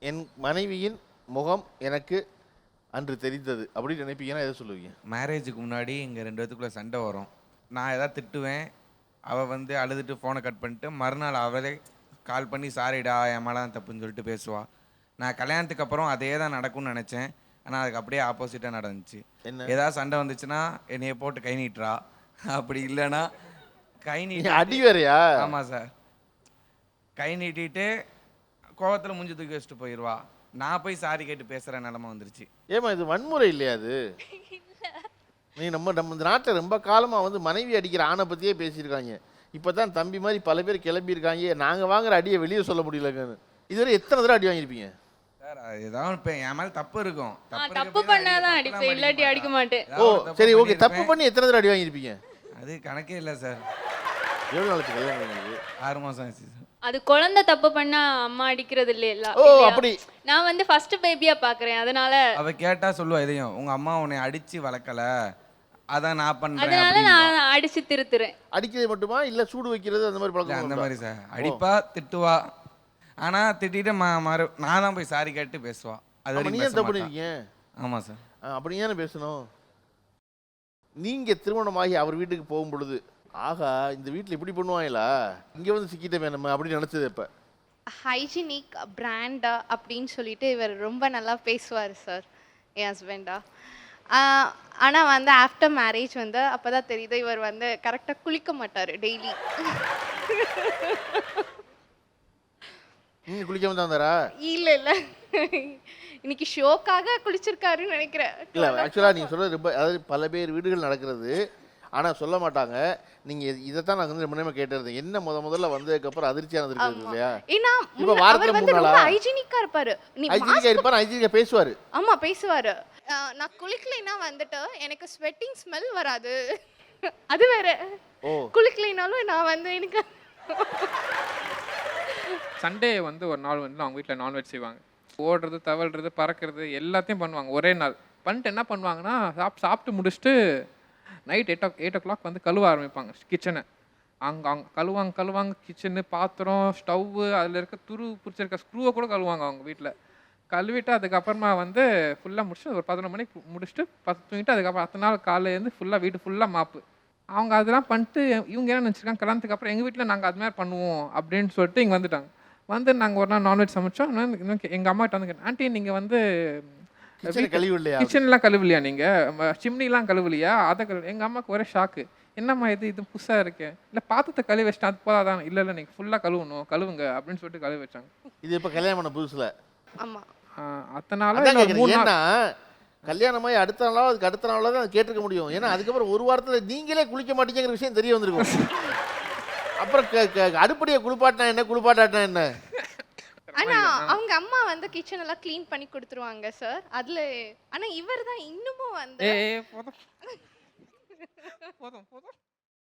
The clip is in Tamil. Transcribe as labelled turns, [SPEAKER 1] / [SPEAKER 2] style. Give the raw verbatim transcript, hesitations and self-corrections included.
[SPEAKER 1] என் மனைவியின் முகம் எனக்கு அன்று தெரிந்தது அப்படின்னு நினைப்பீங்கன்னா எதை சொல்லுவீங்க?
[SPEAKER 2] மேரேஜுக்கு முன்னாடி எங்கள் ரெண்டு பேத்துக்குள்ளே சண்டை வரும். நான் எதாவது திட்டுவேன், அவள் வந்து அழுதுட்டு ஃபோனை கட் பண்ணிட்டு மறுநாள் அவளே கால் பண்ணி சாரிடா என் மேலே தான் தப்புன்னு சொல்லிட்டு பேசுவாள். நான் கல்யாணத்துக்கு அப்புறம் அதே தான் நடக்கும்னு நினச்சேன். ஆனால் அதுக்கு அப்படியே ஆப்போசிட்டாக நடந்துச்சு.
[SPEAKER 1] என்ன
[SPEAKER 2] ஏதாவது சண்டை வந்துச்சுன்னா என்னைய போட்டு கை நீட்டுறா, அப்படி இல்லைன்னா கை நீட்டி
[SPEAKER 1] அடி வேறையா?
[SPEAKER 2] ஆமாம் சார், கை நீட்டிட்டு கோவத்தில் மூஞ்சி தூக்கி வச்சுட்டு போயிடுவா. நான் போய் சாரி கேட்டு பேசுகிற நிலமை வந்துருச்சு.
[SPEAKER 1] ஏமா இது வன்முறை இல்லையா? அது நீ நம்ம நம்ம இந்த நாட்டில் ரொம்ப காலமாக வந்து மனைவி அடிக்கிற ஆணை பற்றியே பேசியிருக்காங்க. இப்போ தான் தம்பி மாதிரி பல பேர் கிளம்பியிருக்காங்க, நாங்கள் வாங்குற அடியை வெளியே சொல்ல முடியலங்கன்னு. இதுவரை எத்தனை தடவை அடி வாங்கியிருப்பீங்க?
[SPEAKER 2] சார் ஏதாவது இப்போ என் மேலே தப்பு இருக்கும்,
[SPEAKER 3] தப்பு பண்ணாதான் அடிப்பேன், இல்லாட்டி அடிக்க மாட்டேன்.
[SPEAKER 1] ஓ சரி ஓகே, தப்பு பண்ணி எத்தனை தடவை அடி வாங்கியிருப்பீங்க?
[SPEAKER 2] அது கணக்கே இல்லை சார்.
[SPEAKER 1] எவ்வளோ நாளைக்கு கல்யாணம் ஆனது?
[SPEAKER 2] ஆறு மாதம் ஆச்சு சார்.
[SPEAKER 3] அது குழந்தை தப்பு பண்ணா அம்மா அடிக்கிறது இல்லையா?
[SPEAKER 1] ஓ அப்படி.
[SPEAKER 3] நான் வந்து ஃபர்ஸ்ட் பேபியா பாக்குறேன், அதனால
[SPEAKER 2] அவ கேட்டா சொல்லுவா இதையும், உங்க அம்மா உன்னை அடிச்சு வளர்க்கல, அதான் நான் பண்றேன்,
[SPEAKER 3] அதனால நான் அடிச்சு திருத்துறேன்.
[SPEAKER 1] அடிக்கிறது மட்டுமா இல்ல சூடு வைக்கிறது அந்த மாதிரி பழக்கம்?
[SPEAKER 2] அந்த மாதிரி சார், அடிப்பா திட்டுவா, ஆனா திட்டிட்டு மாறு நான் தான் போய் சாரி கேட்டு பேசுவா. அது வரைக்கும் பேச மாட்டா. ஆமா சார்.
[SPEAKER 1] அப்படி ஏன் பேசணும்? நீங்க திருமணமாகி அவர் வீட்டுக்கு போகும் பொழுது ஆகா இந்த வீட்டில் இப்படி பண்ணுவாங்களா, இங்கே வந்து சிக்கிட்டமே நம்ம அப்படின்னு நினச்சது? இப்போ
[SPEAKER 4] ஹைஜீனிக் பிராண்டா அப்படின்னு சொல்லிட்டு இவர் ரொம்ப நல்லா பேசுவார் சார் என் ஹஸ்பண்டா. ஆனால் வந்து ஆஃப்டர் மேரேஜ் வந்து அப்போ தான் தெரியுது இவர் வந்து கரெக்டாக குளிக்க மாட்டார் டெய்லி.
[SPEAKER 1] நீங்கள் குளிக்காம தான் வந்தாரா?
[SPEAKER 4] இல்லை இல்லை, இன்னைக்கு ஷோக்காக குளிச்சிருக்காருன்னு நினைக்கிறேன்.
[SPEAKER 1] இல்லை ஆக்சுவலாக நீங்கள் சொல்கிறது ரொம்ப, அதாவது பல பேர் வீடுகள் நடக்கிறது ஆனால் சொல்ல மாட்டாங்க. நீங்கள் இதைத்தான் நான் வந்து ரொம்ப நேரமாக கேட்டிருந்தேன், என்ன முத முதல்ல வந்ததுக்கப்புறம் அதிர்ச்சியானது இருக்குது இல்லையா?
[SPEAKER 4] ஏன்னா
[SPEAKER 1] இப்போ வாரத்தில் மூணு நாளா
[SPEAKER 4] ஹைஜீனிக்கா இருப்பாரு,
[SPEAKER 1] ஹைஜீனிக்கா இருப்பாரு, ஹைஜீனிக்கா பேசுவார்.
[SPEAKER 4] ஆமா பேசுவாரு. நான் குளிக்கலைன்னா வந்துட்டு எனக்கு ஸ்வெட்டிங் ஸ்மெல் வராது, அது வேற.
[SPEAKER 1] ஓ
[SPEAKER 4] குளிக்கலைனாலும் நான் வந்து எனக்கு
[SPEAKER 5] சண்டே வந்து ஒரு நாள் வந்து அவங்க வீட்டில் நான்வெஜ் செய்வாங்க. ஓடுறது தவழ்றது பறக்கிறது எல்லாத்தையும் பண்ணுவாங்க ஒரே நாள். பண்ணிட்டு என்ன பண்ணுவாங்கன்னா சாப் சாப்பிட்டு முடிச்சுட்டு night eight o eight o'clock வந்து கழுவ ஆரம்பிப்பாங்க கிச்சனை. அங்கே அங்கே கழுவாங்க கழுவாங்க கிச்சனு, பாத்திரம், ஸ்டவ்வு, அதில் இருக்க துரு பிடிச்சிருக்க ஸ்க்ரூவை கூட கழுவாங்க அவங்க வீட்டில். கழுவிட்டு அதுக்கப்புறமா வந்து ஃபுல்லாக முடிச்சுட்டு ஒரு பதினொரு மணிக்கு முடிச்சுட்டு பத்து தூங்கிட்டு அதுக்கப்புறம் அடுத்த நாள் காலையிலேருந்து ஃபுல்லாக வீட்டு ஃபுல்லாக மாப்பு. அவங்க அதெல்லாம் பண்ணிட்டு இவங்க என்ன நினச்சிருக்காங்க, கல்யாணத்துக்கு அப்புறம் எங்கள் வீட்டில் நாங்கள் அது மாதிரி பண்ணுவோம் அப்படின்னு சொல்லிட்டு இங்கே வந்துட்டாங்க. வந்து நாங்கள் ஒரு நாள் நான்வெஜ் சமைச்சோம். இன்னும் எங்கள் அம்மாட்ட வந்து கேட்டேன், ஆண்டி நீங்கள் வந்து கிச்சன்லாம் கழுவலையா, நீங்கள் சிம்னிலாம் கழுவலையா? அதை கழுவு. எங்கள் அம்மாவுக்கு ஒரே ஷாக்கு, என்னம்மா இது இது புதுசாக இருக்கேன், இல்லை பாத்திரத்தை கழுவி வச்சிட்டேன் அது போதாதான், இல்லை இல்லை நீங்கள் ஃபுல்லாக கழுவணும் கழுவுங்க அப்படின்னு சொல்லிட்டு கழுவி வச்சாங்க.
[SPEAKER 1] இது இப்போ கல்யாணம் பண்ண புதுசில்?
[SPEAKER 4] ஆமாம்.
[SPEAKER 5] அதனால
[SPEAKER 1] ஏன்னா கல்யாணமாகி அடுத்த நாளாக அதுக்கு அடுத்த நாளாக தான் கேட்டிருக்க முடியும். ஏன்னா அதுக்கப்புறம் ஒரு வாரத்தில் நீங்களே குளிக்க மாட்டீங்கிற விஷயம் தெரிய வந்திருக்கும். அப்புறம் அடுப்படியை குளிப்பாட்டினா என்ன குளிப்பாட்டாட்டினா என்ன?
[SPEAKER 4] ஆனா அவங்க அம்மா வந்து கிச்சன் எல்லாம் க்ளீன் பண்ணி கொடுத்துருவாங்க சார். அதுல ஆனா இவர் தான் இன்னமும் வந்து
[SPEAKER 5] ஏ போதும் போதும் போதும்